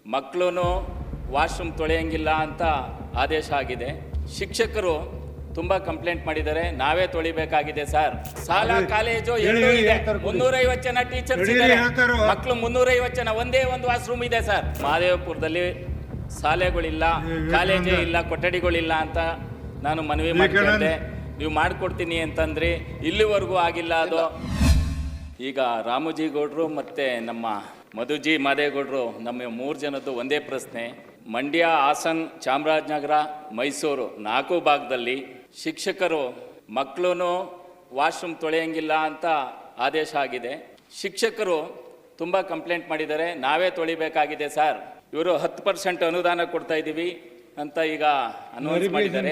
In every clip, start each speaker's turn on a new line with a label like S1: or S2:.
S1: ಮಕ್ಕಳು ವಾಶ್ರೂಮ್ ತೊಳೆಯಂಗಿಲ್ಲ ಅಂತ ಆದೇಶ ಆಗಿದೆ. ಶಿಕ್ಷಕರು ತುಂಬ ಕಂಪ್ಲೇಂಟ್ ಮಾಡಿದ್ದಾರೆ, ನಾವೇ ತೊಳಿಬೇಕಾಗಿದೆ ಸರ್. ಶಾಲಾ ಕಾಲೇಜು ಎರಡೂ ಇದೆ, 350 ಜನ ಟೀಚರ್ಸ್ ಇದ್ದಾರೆ, ಮಕ್ಕಳು 350 ಜನ, ಒಂದೇ ಒಂದು ವಾಶ್ರೂಮ್ ಇದೆ ಸರ್. ಮಹದೇವಪುರದಲ್ಲಿ ಶಾಲೆಗಳಿಲ್ಲ, ಕಾಲೇಜೇ ಇಲ್ಲ, ಕೊಠಡಿಗಳಿಲ್ಲ ಅಂತ ನಾನು ಮನವಿ ಮಾಡ್ತಿದ್ದೆ. ನೀವು ಮಾಡಿಕೊಡ್ತೀನಿ ಅಂತಂದ್ರಿ, ಇಲ್ಲಿವರೆಗೂ ಆಗಿಲ್ಲ ಅದು. ಈಗ ರಾಮೋಜಿ ಗೌಡ್ರು ಮತ್ತು ನಮ್ಮ ಮಧುಜಿ ಮಾದೇಗೌಡರು ನಮ್ಮ 3 ಜನದ್ದು ಒಂದೇ ಪ್ರಶ್ನೆ. ಮಂಡ್ಯ, ಹಾಸನ್, ಚಾಮರಾಜನಗರ, ಮೈಸೂರು 4 ಭಾಗದಲ್ಲಿ ಶಿಕ್ಷಕರು ಮಕ್ಕಳು ವಾಶ್ರೂಮ್ ತೊಳೆಯಂಗಿಲ್ಲ ಅಂತ ಆದೇಶ ಆಗಿದೆ. ಶಿಕ್ಷಕರು ತುಂಬ ಕಂಪ್ಲೇಂಟ್ ಮಾಡಿದ್ದಾರೆ, ನಾವೇ ತೊಳಿಬೇಕಾಗಿದೆ ಸರ್. ಇವರು 10% ಅನುದಾನ ಕೊಡ್ತಾ ಇದ್ದೀವಿ ಅಂತ ಈಗ ಅನೌನ್ಸ್ ಮಾಡಿದ್ದಾರೆ.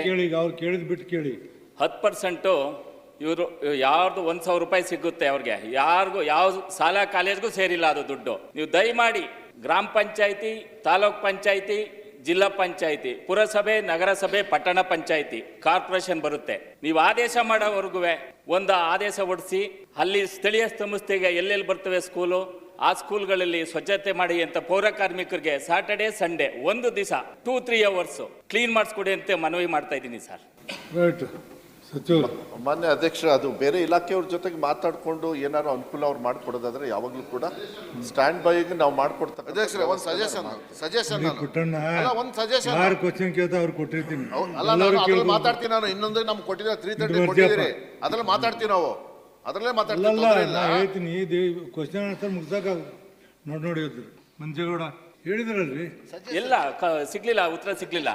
S1: 10% ಇವರು ಯಾರ್ದು 1,000 ರೂಪಾಯಿ ಸಿಗುತ್ತೆ ಅವ್ರಿಗೆ, ಯಾರಿಗೂ ಯಾವ ಶಾಲಾ ಕಾಲೇಜ್ಗೂ ಸೇರಿಲ್ಲ ಅದು ದುಡ್ಡು. ನೀವು ದಯಮಾಡಿ ಗ್ರಾಮ ಪಂಚಾಯಿತಿ, ತಾಲೂಕ್ ಪಂಚಾಯಿತಿ, ಜಿಲ್ಲಾ ಪಂಚಾಯಿತಿ, ಪುರಸಭೆ, ನಗರಸಭೆ, ಪಟ್ಟಣ ಪಂಚಾಯಿತಿ, ಕಾರ್ಪೊರೇಷನ್ ಬರುತ್ತೆ. ನೀವು ಆದೇಶ ಮಾಡೋವರೆಗೂ ಒಂದು ಆದೇಶ ಹೊಡಿಸಿ, ಅಲ್ಲಿ ಸ್ಥಳೀಯ ಸಂಸ್ಥೆಗೆ ಎಲ್ಲೆಲ್ಲಿ ಬರ್ತವೆ ಸ್ಕೂಲು, ಆ ಸ್ಕೂಲ್ಗಳಲ್ಲಿ ಸ್ವಚ್ಛತೆ ಮಾಡಿ ಅಂತ ಪೌರ ಕಾರ್ಮಿಕರಿಗೆ ಸಾಟರ್ಡೆ ಸಂಡೇ ಒಂದು ದಿವಸ 2-3 hours ಕ್ಲೀನ್ ಮಾಡಿಸ್ಕೊಡಿ ಅಂತ ಮನವಿ ಮಾಡ್ತಾ ಇದ್ದೀನಿ ಸರ್.
S2: ಮಾನ್ಯ ಅಧ್ಯಕ್ಷ, ಅದು ಬೇರೆ ಇಲಾಖೆಯವ್ರ ಜೊತೆಗೆ ಮಾತಾಡ್ಕೊಂಡು ಏನಾದ್ರು ಅನುಕೂಲ ಅವ್ರು ಮಾಡ್ಕೊಡೋದಾದ್ರೆ ಯಾವಾಗ್ಲೂ ಕೂಡ ಸ್ಟ್ಯಾಂಡ್ ಬೈಗೆ ನಾವು ಮಾಡ್ಕೊಡ್ತಾರೆ.
S3: ಅಧ್ಯಕ್ಷರೇ, ಒಂದು ಸಜೆಷನ್ ಮಾತಾಡ್ತೀನಿ ನಾನು. ಇನ್ನೊಂದು ನಮ್ಗೆ ಕೊಟ್ಟಿದ್ರೆ 330 ಕೊಟ್ಟಿದ್ದೀರಿ, ಅದ್ರಲ್ಲಿ ಮಾತಾಡ್ತೀವಿ ನಾವು, ಅದರಲ್ಲೇ
S4: ಹೇಳ್ತೀನಿ. ಕ್ವಶನ್ ಆನ್ಸರ್ ಮುಗ್ಸಾಕ ನೋಡಿ ಮಂಜೇಗೌಡ ಹೇಳಿದ್ರಲ್ರಿ,
S1: ಎಲ್ಲ ಸಿಗ್ಲಿಲ್ಲ, ಉತ್ತರ ಸಿಗ್ಲಿಲ್ಲ.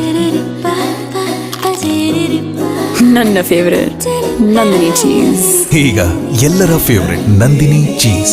S5: ನನ್ನ ಫೇವರೇಟ್ ನಂದಿನಿ ಚೀಸ್.
S6: ಈಗ ಎಲ್ಲರ ಫೇವರೇಟ್ ನಂದಿನಿ ಚೀಸ್.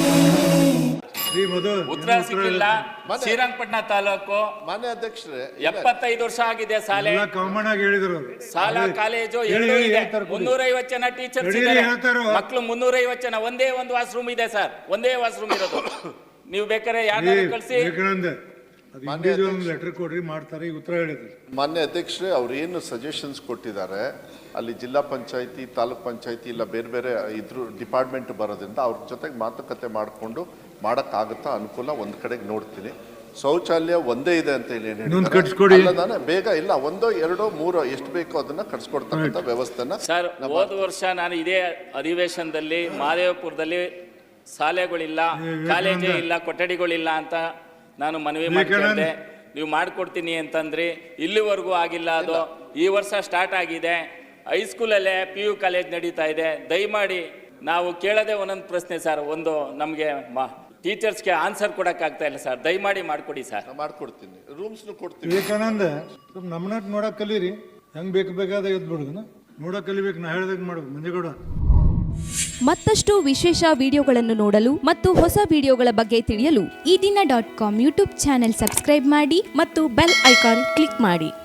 S1: ಉತ್ತರ ಸಿಗ್ಲಿಲ್ಲ. ಶ್ರೀರಂಗಪಟ್ಟಣ ತಾಲೂಕು
S2: ಮಾನ್ಯ ಅಧ್ಯಕ್ಷರೇ
S1: 75 ವರ್ಷ ಆಗಿದೆ ಶಾಲೆ,
S4: ಹೇಳಿದ್ರು.
S1: ಶಾಲಾ ಕಾಲೇಜು ಎರಡೂ ಇದೆ, 350 ಜನ ಟೀಚರ್ಸ್ ಇದ್ದಾರೆ, ಮಕ್ಕಳು 350 ಜನ, ಒಂದೇ ಒಂದು ವಾಶ್ರೂಮ್ ಇದೆ ಸರ್, ಒಂದೇ ವಾಶ್ರೂಮ್ ಇರೋದು. ನೀವು ಬೇಕಾದ್ರೆ ಯಾರು ಕಳಿಸಿ
S4: ಲೆಟರ್ ಕೊಡ್ರಿ, ಮಾಡ್ತಾರೆ. ಈಗ ಉತ್ತರ ಹೇಳಿದ್ರು.
S2: ಮಾನ್ಯ ಅಧ್ಯಕ್ಷರೇ, ಅವ್ರು ಏನು ಸಜೆಷನ್ಸ್ ಕೊಟ್ಟಿದ್ದಾರೆ, ಅಲ್ಲಿ ಜಿಲ್ಲಾ ಪಂಚಾಯತಿ, ತಾಲೂಕ್ ಪಂಚಾಯತಿ ಇಲ್ಲ ಬೇರೆ ಬೇರೆ ಇದ್ರ ಡಿಪಾರ್ಟ್ಮೆಂಟ್ ಬರೋದ್ರಿಂದ ಅವ್ರ ಜೊತೆಗೆ ಮಾತುಕತೆ ಮಾಡಿಕೊಂಡು ಮಾಡೋಕ್ಕಾಗುತ್ತಾ ಅನುಕೂಲ ಒಂದು ಕಡೆಗೆ ನೋಡ್ತೀನಿ. ಶೌಚಾಲಯ ಒಂದೇ ಇದೆ ಅಂತ ಹೇಳಿ ಬೇಗ ಇಲ್ಲ, 1, 2, 3 ಎಷ್ಟು ಬೇಕೋ ಅದನ್ನ ಕಟ್ಸ್ಕೊಡ್ತಕ್ಕಂಥ ವ್ಯವಸ್ಥೆನ
S1: ಸರ್. ಹೋದ ವರ್ಷ ನಾನು ಇದೇ ಅಧಿವೇಶನದಲ್ಲಿ ಮಹದೇವಪುರದಲ್ಲಿ ಶಾಲೆಗಳಿಲ್ಲ, ಕಾಲೇಜೇ ಇಲ್ಲ, ಕೊಠಡಿಗಳಿಲ್ಲ ಅಂತ ನಾನು ಮನವಿ ಮಾಡ್ತಿದ್ದೆ. ನೀವು ಮಾಡಿಕೊಡ್ತೀನಿ ಅಂತಂದ್ರಿ, ಇಲ್ಲಿವರೆಗೂ ಆಗಿಲ್ಲ ಅದು. ಈ ವರ್ಷ ಸ್ಟಾರ್ಟ್ ಆಗಿದೆ, ಹೈಸ್ಕೂಲಲ್ಲೇ PU ಕಾಲೇಜ್ ನಡೀತಾ ಇದೆ. ದಯಮಾಡಿ ನಾವು ಕೇಳೋದೇ ಒಂದೊಂದು ಪ್ರಶ್ನೆ ಸರ್, ಒಂದು ನಮಗೆ ಟೀಚರ್ಸ್ಗೆ ಆನ್ಸರ್ ಕೊಡೋಕ್ಕಾಗ್ತಾ ಇಲ್ಲ ಸರ್. ದಯಮಾಡಿ ಮಾಡಿಕೊಡಿ ಸರ್.
S2: ಮಾಡ್ಕೊಡ್ತೀನಿ, ರೂಮ್ಸ್ನು ಕೊಡ್ತೀನಿ.
S4: ವಿವೇಕಾನಂದ ನಮ್ಮನ್ನ ನೋಡಕ್ ಕಲೀರಿ, ಹೆಂಗ್ ಬೇಕಾದ ಎದ್ಬಿಡುದು ನೋಡಕ್ ಕಲಿಬೇಕು. ನಾ ಹೇಳ್ದಾಗ ಮಾಡ್ಬೇಕು. ಮಂಜೇಗೌಡ,
S7: ಮತ್ತಷ್ಟು ವಿಶೇಷ ವಿಡಿಯೋಗಳನ್ನು ನೋಡಲು ಮತ್ತು ಹೊಸ ವಿಡಿಯೋಗಳ ಬಗ್ಗೆ ತಿಳಿಯಲು
S8: ಈ ದಿನ .com ಯೂಟ್ಯೂಬ್ ಚಾನೆಲ್ ಸಬ್ಸ್ಕ್ರೈಬ್ ಮಾಡಿ ಮತ್ತು ಬೆಲ್ ಐಕಾನ್ ಕ್ಲಿಕ್ ಮಾಡಿ.